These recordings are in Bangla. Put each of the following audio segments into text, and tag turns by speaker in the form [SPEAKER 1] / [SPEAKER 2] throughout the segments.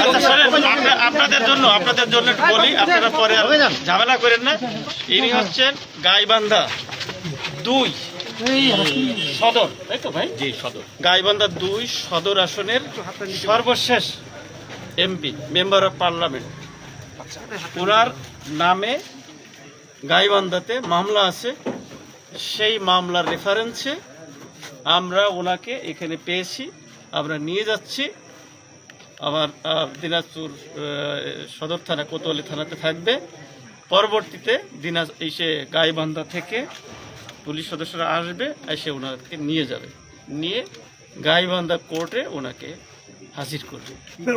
[SPEAKER 1] আপনাদের জন্য বলি, আপনারা পরে ঝামেলা করেন না। ইনি হচ্ছেন গাইবান্ধা 2 সদর, তাই তো ভাই? জি, সদর। গাইবান্ধা 2 সদর আসনের সর্বশেষ এমপি, মেম্বার অফ পার্লামেন্ট। ওনার নামে গাইবান্ধাতে মামলা আছে, সেই মামলার রেফারেন্সে আমরা ওনাকে এখানে পেয়েছি, আমরা নিয়ে যাচ্ছি। আমার দিনাজপুর সদর থানা, কোতোয়ালি থানাতে থাকবে। পরবর্তীতে এসে গাইবান্ধা থেকে পুলিশ সদস্যরা আসবে, এসে ওনাকে নিয়ে যাবে, নিয়ে গাইবান্ধা কোর্টে ওনাকে হাজির করবে।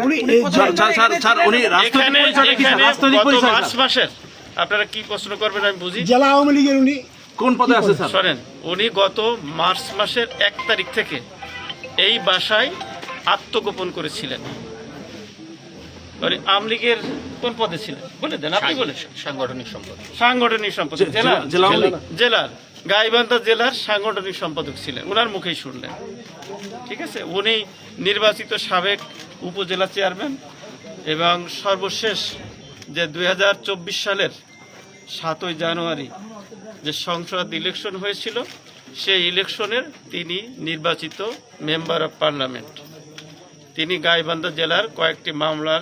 [SPEAKER 1] মার্চ মাসের, আপনারা কি প্রশ্ন করবেন আমি বুঝি।
[SPEAKER 2] জেলা আওয়ামী লীগের উনি
[SPEAKER 1] কোন পদে আছে স্যার? শোনেন, উনি গত মার্চ মাসের 1 তারিখ থেকে এই বাসায় আত্মগোপন করেছিলেন। আওয়ামী লীগের কোন পদে ছিলেন বলে দেন, আপনি বলেন। সাংগঠনিক সম্পাদক জেলার গাইবান্ধা জেলার সাংগঠনিক সম্পাদক ছিলেন, ওনার মুখেই শুনলেন। ঠিক আছে, উনি নির্বাচিত সাবেক উপজেলা চেয়ারম্যান এবং সর্বশেষ যে 2024 সালের 7ই জানুয়ারি যে সংসদ ইলেকশন হয়েছিল, সেই ইলেকশনের তিনি নির্বাচিত মেম্বার অফ পার্লামেন্ট। তিনি গাইবান্ধা জেলার কয়েকটি মামলার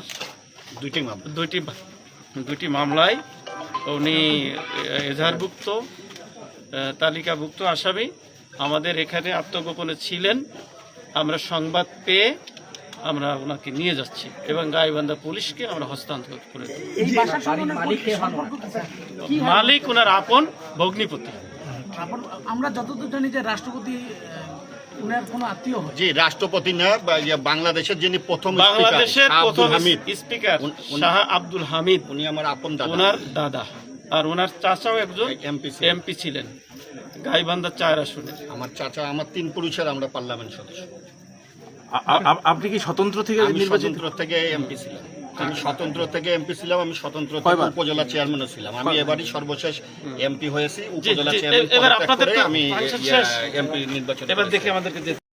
[SPEAKER 1] দুইটি মামলায় উনি এজাহারভুক্ত, তালিকাভুক্ত আসামি। আমাদের এখানে আত্মগোপনে ছিলেন, আমরা সংবাদ পেয়ে আমরা ওনাকে নিয়ে যাচ্ছি এবং গাইবান্ধা পুলিশকে আমরা হস্তান্তর করে দেব। মালিক ওনার আপন ভগ্নিপতি।
[SPEAKER 2] আমরা যতদূর জানি যে রাষ্ট্রপতি উনার কোনো আত্মীয়।
[SPEAKER 3] জি, রাষ্ট্রপতি না, বাংলাদেশের যিনি প্রথম
[SPEAKER 1] স্পিকার শাহ আব্দুল হামিদ,
[SPEAKER 3] উনি আমার আপন দাদা,
[SPEAKER 1] ওনার দাদা। আর ওনার চাচাও একজন এমপি ছিলেন গাইবান্ধা 4 আসনে।
[SPEAKER 3] আমার চাচা, আমার 3 পুরুষের আমরা পার্লামেন্ট সদস্য।
[SPEAKER 4] আপনি কি স্বতন্ত্র থেকে নির্বাচিত?
[SPEAKER 3] থেকে এমপি ছিলাম আমি, স্বতন্ত্র থেকে এমপি ছিলাম আমি, স্বতন্ত্র থেকে উপজেলা চেয়ারম্যানও ছিলাম আমি। এবারই সর্বশেষ এমপি হয়েছি, উপজেলা চেয়ারম্যান।
[SPEAKER 1] এবার আপনাদের
[SPEAKER 3] আমি এমপি নির্বাচন।
[SPEAKER 1] এবার দেখি আমাদেরকে